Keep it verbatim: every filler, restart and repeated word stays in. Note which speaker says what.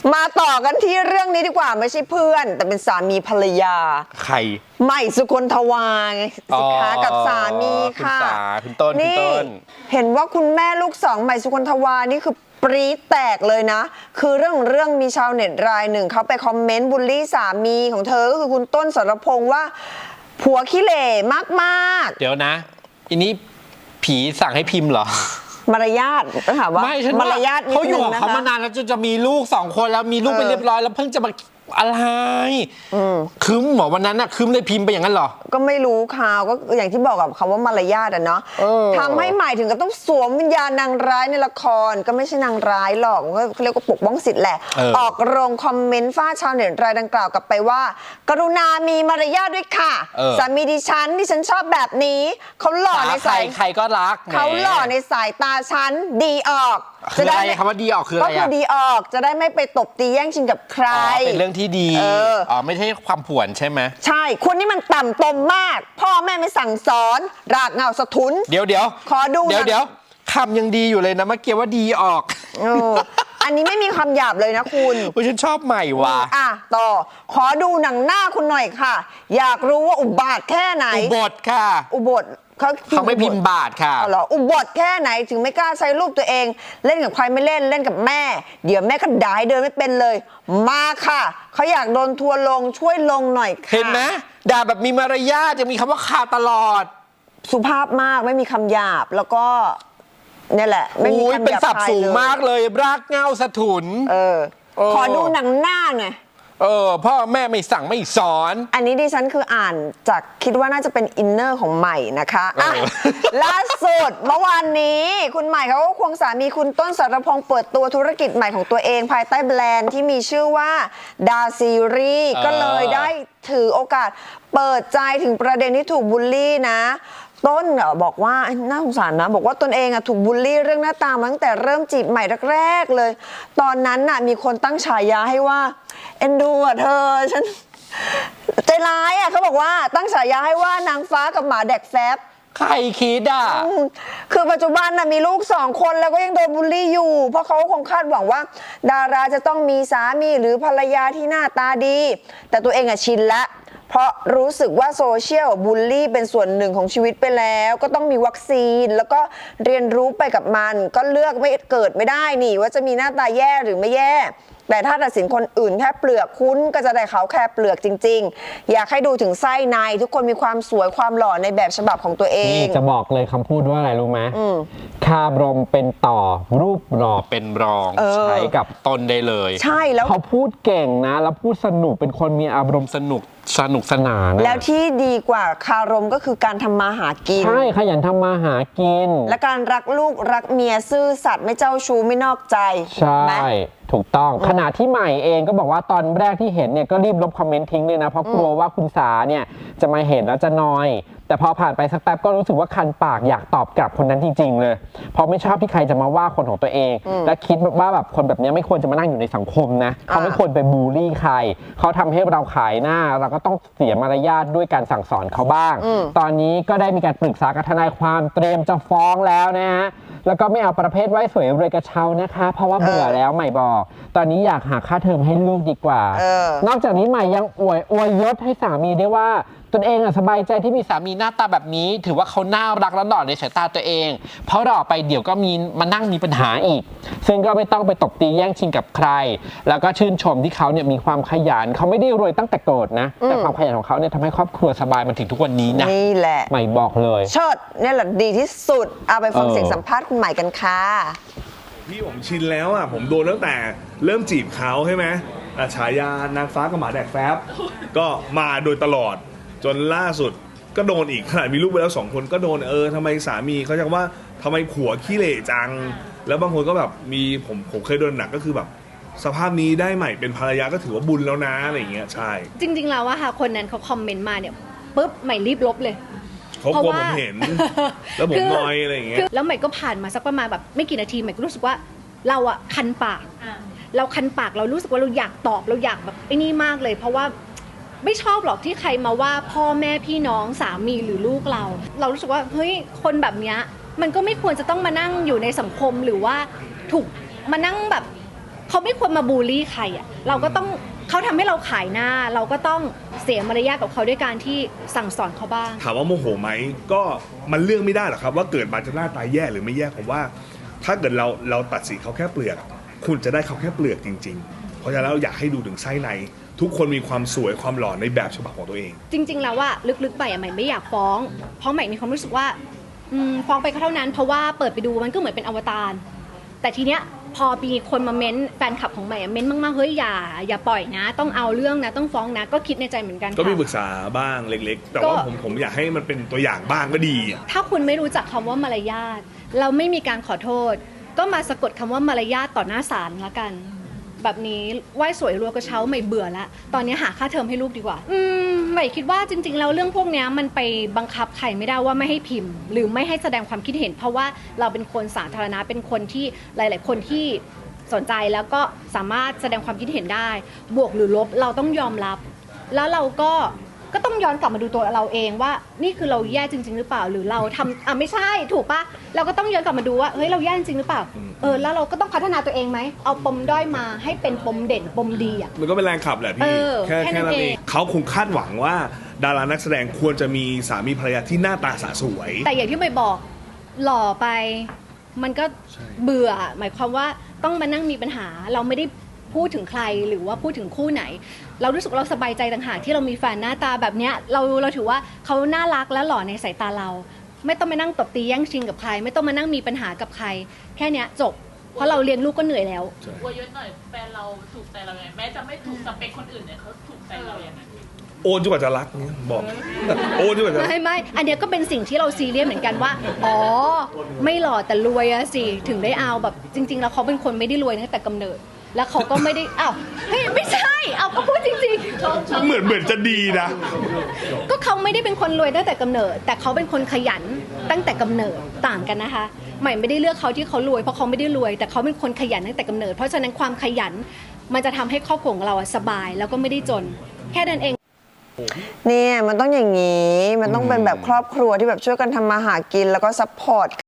Speaker 1: มาต่อกันที่เรื่องนี้ดีกว่าไม่ใช่เพื่อนแต่เป็นสามีภรรยา
Speaker 2: ใคร
Speaker 1: ใหม่สุคนทวาไงสิคะกับสามีค่ะ
Speaker 2: คุณสาคุณต้นคุณต้น
Speaker 1: เห็นว่าคุณแม่ลูกสองใหม่สุคนทวานี่คือปรี๊ดแตกเลยนะคือเรื่องเรื่องมีชาวเน็ตรายหนึ่งเขาไปคอมเมนต์บูลลี่สามีของเธอก็คือคุณต้นสรพงษ์ว่าผัวขี้เหร่มาก
Speaker 2: ๆเดี๋ยวนะอันนี้ผีสั่งให้พิมพ์เหรอ
Speaker 1: มารยาทต้องถามว่า
Speaker 2: ไม่ฉัน
Speaker 1: มารยาท
Speaker 2: เขาอยู่เขามานานแล้วจนจะมีลูกสองคนแล้วมีลูกไปเรียบร้อยแล้วเพิ่งจะมาอะไรคืมหมอวันนั้นน่ะคืมเลยพิมพ์ไปอย่างนั้นเหรอ
Speaker 1: ก็ไม่รู้ข่าวก็อย่างที่บอกกับคำว่ามารยาทอะเนาะทำให้ใหม่ถึงกับต้องสวมวิญญาณนางร้ายในละครก็ไม่ใช่นางร้ายหรอกก็เรียกว่าปกป้องสิทธิ์แหละออกโรงคอมเมนต์ฟ้าชาวเน็ตรายดังกล่าวกลับไปว่ากรุณามีมารยาทด้วยค่ะสามีดิฉันดิฉันชอบแบบนี้เขาหล่อในสาย
Speaker 2: ใครก็รัก
Speaker 1: เขาหล่อในสายตาฉันดีออก
Speaker 2: จะได้คำว่าดีออกคืออะไร
Speaker 1: ก็คือดีออกจะได้ไม่ไปตบตีแย่งชิงกับใคร
Speaker 2: เป็นเรื่องที่ดีอ๋อไม่ใช่ความผวนใช่ไหม
Speaker 1: ใช่คุณนี่มันต่ำตมมากพ่อแม่ไม่สั่งสอนรากเหง้าสะทุน
Speaker 2: เดี๋ยวเดี๋ยว
Speaker 1: ขอดู
Speaker 2: เดี๋ยวเดี๋ยวคำยังดีอยู่เลยนะเมื่อกี้ว่าดีออก
Speaker 1: อันนี้ไม่มีคำหยาบเลยนะคุณ
Speaker 2: ฉันชอบใหม่ว่ะ
Speaker 1: อ่ะต่อขอดูหนังหน้าคุณหน่อยค่ะอยากรู้ว่าอุบาทแค่ไหน
Speaker 2: อุบทค่ะ
Speaker 1: อุบทเขา
Speaker 2: เขาไม่พิมพ์บาทค่ะ
Speaker 1: อ๋อเหรออุบทแค่ไหนถึงไม่กล้าใช้รูปตัวเองเล่นกับใครไม่เล่นเล่นกับแม่เดี๋ยวแม่ก็ด่าให้เดินไม่เป็นเลยมาค่ะเขาอยากโดนทัวลงช่วยลงหน่อยค่ะ
Speaker 2: เห็นไหมด่าแบบมีมารยาทจะมีคำว่าขาตลอด
Speaker 1: สุภาพมากไม่มีคำหยาบแล้วก็นี่แหละไม่มีคำหยาบ
Speaker 2: เป็นศัพท์สูงมากเลยรากเหง้าสะทุน
Speaker 1: เออขอดูหนังหน้าหน่อย
Speaker 2: เออพ่อแม่ไม่สั่งไม่สอน
Speaker 1: อันนี้ดิฉันคืออ่านจากคิดว่าน่าจะเป็นอินเนอร์ของใหม่นะคะอ่ะล่าสุดเมื่อวานนี้คุณใหม่เขาก็ควงสามีคุณต้นสรพงษ์เปิดตัวธุรกิจใหม่ของตัวเองภายใต้แบรนด์ที่มีชื่อว่าดาซีรีส์ก็เลยได้ถือโอกาสเปิดใจถึงประเด็นที่ถูกบูลลี่นะต้นบอกว่าน่าสงสารนะบอกว่าตนเองถูกบูลลี่เรื่องหน้าตามาตั้งแต่เริ่มจีบใหม่แรกๆเลยตอนนั้นน่ะมีคนตั้งฉายาให้ว่าเอ็นดูอ่ะเธอฉันใจร้ายอ่ะเขาบอกว่าตั้งฉายาให้ว่านางฟ้ากับหมาแดกแฟบ
Speaker 2: ใครคิดอ่ะ
Speaker 1: คือปัจจุบันน่ะมีลูกสองคนแล้วก็ยังโดนบูลลี่อยู่เพราะเขาคงคาดหวังว่าดาราจะต้องมีสามีหรือภรรยาที่หน้าตาดีแต่ตัวเองอ่ะชินละเพราะรู้สึกว่าโซเชียลบูลลี่เป็นส่วนหนึ่งของชีวิตไปแล้วก็ต้องมีวัคซีนแล้วก็เรียนรู้ไปกับมันก็เลือกไม่เกิดไม่ได้นี่ว่าจะมีหน้าตาแย่หรือไม่แย่แต่ถ้าตัดสินคนอื่นแค่เปลือกคุณก็จะได้เขาแค่เปลือกจริงๆอยากให้ดูถึงไส้ในทุกคนมีความสวยความหล่อในแบบฉบับของตัวเอง
Speaker 3: นี่จะบอกเลยคำพูดว่าอะไรรู้ไหมคาบรมเป็นต่อรูปหล่อ
Speaker 2: เป็นรองใช้กับตนได้เลย
Speaker 1: ใช่แล้ว
Speaker 3: เขาพูดเก่งนะแล้วพูดสนุกเป็นคนมีอารมณ์
Speaker 2: สนุกสนุกสนาน
Speaker 1: แล้วที่ดีกว่าคารมก็คือการทำมาหากิน
Speaker 3: ใช่ขยันทำมาหากิน
Speaker 1: และการรักลูกรักเมียซื่อสัตย์ไม่เจ้าชู้ไม่นอกใจ
Speaker 3: ใช่ถูกต้องขณะที่ใหม่เองก็บอกว่าตอนแรกที่เห็นเนี่ยก็รีบลบคอมเมนต์ทิ้งเลยนะเพราะกลัวว่าคุณสาเนี่ยจะมาเห็นแล้วจะนอยแต่พอผ่านไปสักแป๊บก็รู้สึกว่าคันปากอยากตอบกลับคนนั้นจริงๆเลยเพราะไม่ชอบที่ใครจะมาว่าคนของตัวเองและคิดว่าแบบคนแบบนี้ไม่ควรจะมานั่งอยู่ในสังคมนะเขาไม่ควรไปบูลลี่ใครเขาทำให้เราขายหน้าเราก็ต้องเสียมารยาทด้วยการสั่งสอนเขาบ้างตอนนี้ก็ได้มีการปรึกษากับทนายความเตรียมจะฟ้องแล้วนะฮะแล้วก็ไม่เอาประเภทไว้สวยรวยกระเช้านะคะเพราะว่าเบื่อแล้วใหม่บอกตอนนี้อยากหาค่าเทอมให้ลูกดีกว่านอกจากนี้ใหม่ยังอวยอวยยศให้สามีได้ว่าตนเองสบายใจที่มีสามีหน้าตาแบบนี้ถือว่าเขาน่ารักและหล่อในสายตาตัวเองเพราะหล่อไปเดี๋ยวก็มีมานั่งมีปัญหาอีกซึ่งก็ไม่ต้องไปตบตีแย่งชิงกับใครแล้วก็ชื่นชมที่เขาเนี่ยมีความขยันเขาไม่ได้รวยตั้งแต่เกิดนะแต่ความขยันของเขาเนี่ยทำให้ครอบครัวสบายมาถึงทุกวันนี้นะ
Speaker 1: นี่แหละ
Speaker 3: ใหม่บอกเลย
Speaker 1: เชิดนี่แหละดีที่สุดเอาไปฟังเสียงสัมภาษณ์คุณใหม่กันค่ะ
Speaker 4: พี่ผมชินแล้วอ่ะผมโดนตั้งแต่เริ่มจีบเขาใช่ไหมฉายานางฟ้ากับหมาแดกแฟบก็มาโดยตลอดจนล่าสุดก็โดนอีกขนาดมีลูกไปแล้วสองคนก็โดนเออทำไมสามีเขาจะว่าทำไมผัวขี้เหร่จังแล้วบางคนก็แบบมีผมผมเคยโดนหนักก็คือแบบสภาพนี้ได้ใหม่เป็นภรรยาก็ถือว่าบุญแล้วนะอะไรอย่างเงี้ยใช่
Speaker 5: จริงๆแล้วว่าค่ะคนนั้นเขาคอมเมนต์มาเนี่ยปุ๊บใหม่รีบลบเลย
Speaker 4: เขากลัวผมเห็นแล้วผมนอยอะไรอย่างเงี้ย
Speaker 5: แล้วใหม่ก็ผ่านมาสักประมาณแบบไม่กี่นาทีใหม่ก็รู้สึกว่าเราอะคันปากเราคันปากเรารู้สึกว่าเราอยากตอบเราอยากแบบไอ้นี่มากเลยเพราะว่าไม่ชอบหรอกที่ใครมาว่าพ่อแม่พี่น้องสามีหรือลูกเราเรารู้สึกว่าเฮ้ยคนแบบเนี้ยมันก็ไม่ควรจะต้องมานั่งอยู่ในสังคมหรือว่าถูกมานั่งแบบเขาไม่ควรมาบูลลี่ใครอ่ะเราก็ต้องเขาทำให้เราขายหน้า เราก็ต้องเสียมารยาทกับเขาด้วยการที่สั่งสอนเขาบ้าง
Speaker 4: ถามว่าโมโหไหมก็มันเลือกไม่ได้หรอกครับว่าเกิดมาจะหน้าตาแย่หรือไม่แย่ผมว่า ถ้าเกิดเราเราตัดสินเขาแค่เปลือกคุณจะได้เขาแค่เปลือกจริง ๆ เพราะฉะนั้นเราอยากให้ดูถึงไส้ในทุกคนมีความสวยความหล่อในแบบฉบับของตัวเอง
Speaker 5: จริง ๆ แล้วว่าลึกๆไปอ่ะใหม่ไม่อยากฟ้อง เพราะใหม่มีความรู้สึกว่าอืมฟ้องไปก็เท่านั้นเพราะว่าเปิดไปดูมันก็เหมือนเป็นอวตารแต่ทีเนี้ยพอมีคนมาเม้นแฟนคลับของใหม่อะเม้นมากๆเฮ้ยอย่าอย่าปล่อยนะ ต้องเอาเรื่องนะต้องฟ้องนะก็คิดในใจเหมือนกัน
Speaker 4: ก็มี
Speaker 5: ค่ะ
Speaker 4: ปรึกษาบ้างเล็ก ๆ แต่
Speaker 5: ก็
Speaker 4: ว่าผมผมอยากให้มันเป็นตัวอย่างบ้างก็ดีอะ
Speaker 5: ถ้าคุณไม่รู้จักคำว่ามารยาทเราไม่มีการขอโทษ ก็มาสะกดคำว่ามารยาทต่อหน้าศาลละกัน แบบนี้ไหว้สวยรัวกระเช้าใหม่เบื่อละตอนนี้หาค่าเทอมให้ลูกดีกว่า อืมใหม่คิดว่าจริง ๆ แล้วเรื่องพวกเนี้ยมันไปบังคับใครไม่ได้ว่าไม่ให้พิมพ์ หรือไม่ให้แสดงความคิดเห็น เพราะว่าเราเป็นคนสาธารณะเป็นคนที่หลาย ๆ คนที่สนใจแล้วก็สามารถแสดงความคิดเห็นได้ บวกหรือลบเราต้องยอมรับ แล้วเราก็ก็ต้องย้อนกลับมาดูตัวเราเองว่านี่คือเราแย่จริง ๆ หรือเปล่า หรือเราทำอ่ะไม่ใช่ถูกปะเราก็ต้องย้อนกลับมาดูว่าเฮ้ยเราแย่จริงหรือเปล่าเออแล้วเราก็ต้องพัฒนาตัวเองไหมเอาปมด้อยมาให้เป็นปมเด่นปมดีอ่ะ
Speaker 4: มันก็เป็นแรงขับแหละ
Speaker 5: เอ
Speaker 4: พี่
Speaker 5: อ
Speaker 4: แค่
Speaker 5: แค่
Speaker 4: แค่
Speaker 5: นั้
Speaker 4: นั้น
Speaker 5: น
Speaker 4: เอ
Speaker 5: เอง ง
Speaker 4: เขาคงคาดหวังว่าดารานักแสดงควรจะมีสามีภรรยาที่หน้าตาสะสวย
Speaker 5: แต่อย่างที่ใบบอกหล่อไป มันก็
Speaker 4: ใช่
Speaker 5: เบื่อ หมายความว่าต้องมานั่งมีปัญหา เราไม่ได้พูดถึงใครหรือว่าพูดถึงคู่ไหน เรารู้สึกเราสบายใจต่างหากที่เรามีแฟนหน้าตาแบบเนี้ยเราเราถือว่าเขาน่ารักและหล่อในสายตาเรา ไม่ต้องมานั่งตบตีแย่งชิงกับใคร ไม่ต้องมานั่งมีปัญหากับใคร แค่เนี้ยจบ เพราะเราเลี้ยงลูกก็เหนื่อยแล้ว
Speaker 6: อวยยศหน่อยแฟนเราถูกใจเราไงแม้จะไม่ถูกสเปคคนอื่นเนี่ยเขาถูกใจเราอย่างไง
Speaker 4: โอนจนกว่าจะรักเนี่ยบอก โอนจนกว่าจะรัก
Speaker 5: ไม่ไม่อันเนี้ยก็เป็นสิ่งที่เราซีเรียสเหมือนกันว่า อ๋อ ไม่หล่อแต่รวยอะสิ ถึงได้เอาแบบจริง ๆ แล้วเขาเป็นคนไม่ได้รวยตั้งแต่กำเนิด แล้วเขาก็ไม่ได้ อ้าวเฮ้ยไม่ใช่ เอาก็พูดจริงๆ
Speaker 4: เหมือนเหมือนจะดีนะ
Speaker 5: ก็เขาไม่ได้เป็นคนรวยตั้งแต่กำเนิด แต่เขาเป็นคนขยันตั้งแต่กำเนิดต่างกันนะคะ ใหม่ไม่ได้เลือกเขาที่เขารวยเพราะเขาไม่ได้รวย แต่เขาเป็นคนขยันตั้งแต่กำเนิด เพราะฉะนั้นความขยันมันจะทำให้ครอบครัวของเราอะสบายแล้วก็ไม่ได้จน แค่นั้นเอง
Speaker 1: เนี่ยมันต้องอย่างนี้ มันต้องเป็นแบบครอบครัวที่แบบช่วยกันทำมาหากินแล้วก็ซัพพอร์ต